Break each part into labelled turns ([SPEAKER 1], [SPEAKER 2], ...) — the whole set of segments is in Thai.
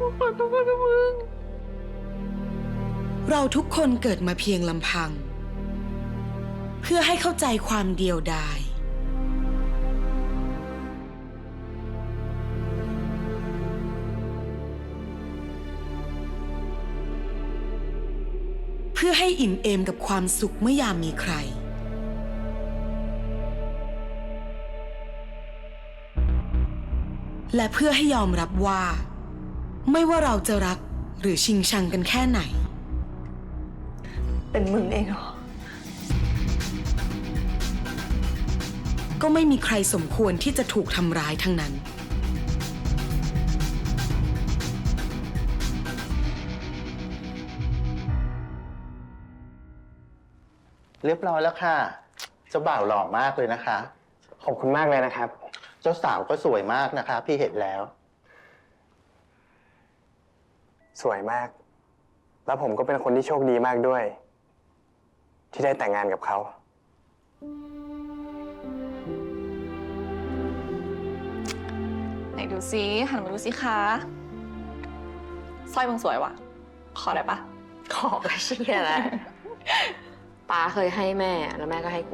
[SPEAKER 1] ขอโทษนะมึง
[SPEAKER 2] เราทุกคนเกิดมาเพียงลำพังเพื่อให้เข้าใจความเดียวดายเพื่อให้อิ่มเอมกับความสุขเมื่อยามมีใครและเพื่อให้ยอมรับว่าไม่ว่าเราจะรักหรือชิงชังกันแค่ไหน
[SPEAKER 1] เป็นมึงเองเหรอ
[SPEAKER 2] ก็ไม่มีใครสมควรที่จะถูกทำร้ายทั้งนั้น
[SPEAKER 3] เรียบร้อยแล้วค่ะเจ้าบ่าวหล่อมากเลยนะคะ
[SPEAKER 4] ขอบคุณมากเลยนะครับ
[SPEAKER 3] เจ้าสาวก็สวยมากนะคะพี่เห็นแล้ว
[SPEAKER 4] สวยมาก แล้วผมก็เป็นคนที่โชคดีมากด้วยที่ได้แต่งงานกับเขา
[SPEAKER 1] ไหนดูซิหันมาดูสิคะสร้อยมึงสวยว่ะขอได้ปะ
[SPEAKER 5] ขอก็เชี่ยแหละป้าเคยให้แม่แล้วแม่ก็ให้กู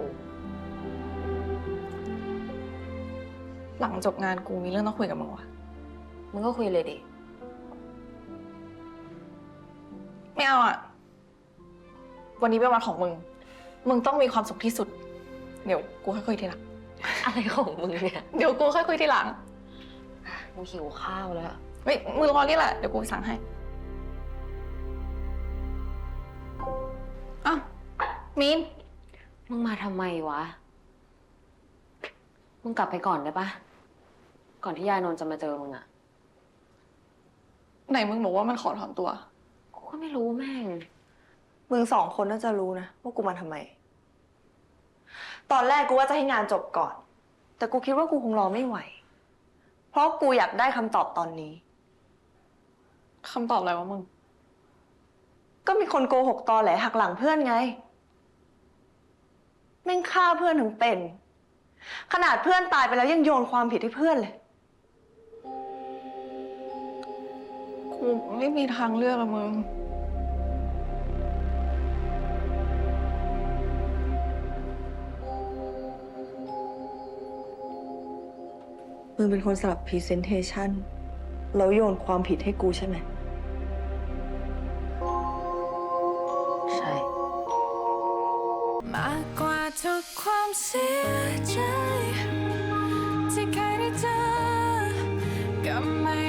[SPEAKER 1] หลังจบงานกูมีเรื่องต้องคุยกับมึงว่ะ
[SPEAKER 5] มึงก็คุยเลยดิ
[SPEAKER 1] ไม่เอาอ่ะวันนี้เป็นวันของมึงมึงต้องมีความสุขที่สุดเดี๋ยวกูค่อยคุยทีหลัง
[SPEAKER 5] อะไรของมึงเนี่ย
[SPEAKER 1] เดี๋ยวกูค่อยคุยทีหลัง
[SPEAKER 5] กูหิวข้าวแล้ว
[SPEAKER 1] เฮ้ยมึงรอนี่แหละเดี๋ยวกูสั่งให้อ้าวมีน
[SPEAKER 5] มึงมาทำไมวะมึงกลับไปก่อนได้ปะก่อนที่ยายนนท์จะมาเจอมึงอะ
[SPEAKER 1] ไหนมึงบอกว่ามันขอถอนตัว
[SPEAKER 5] กูก็ไม่รู้แม่ง
[SPEAKER 6] มึงสองคนน่าจะรู้นะว่ากูมาทำไมตอนแรกกูว่าจะให้งานจบก่อนแต่กูคิดว่ากูคงรอไม่ไหวเพราะกูอยากได้คำตอบตอนนี้
[SPEAKER 1] คำตอบอะไรวะมึง
[SPEAKER 6] ก็มีคนโกหกตอแหลหักหลังเพื่อนไงแม่งฆ่าเพื่อนถึงเป็นขนาดเพื่อนตายไปแล้วยังโยนความผิดให้เพื่อนเลย
[SPEAKER 1] กูไม่มีทางเลือกละมึง
[SPEAKER 6] มึงเป็นคนสลับพรีเซนเทชันแล้วโยนความผิดให้กูใช่ไหม
[SPEAKER 5] ใช่
[SPEAKER 7] มากกว่าทุกความเสียใจที่เคยได้เจอก็ไม่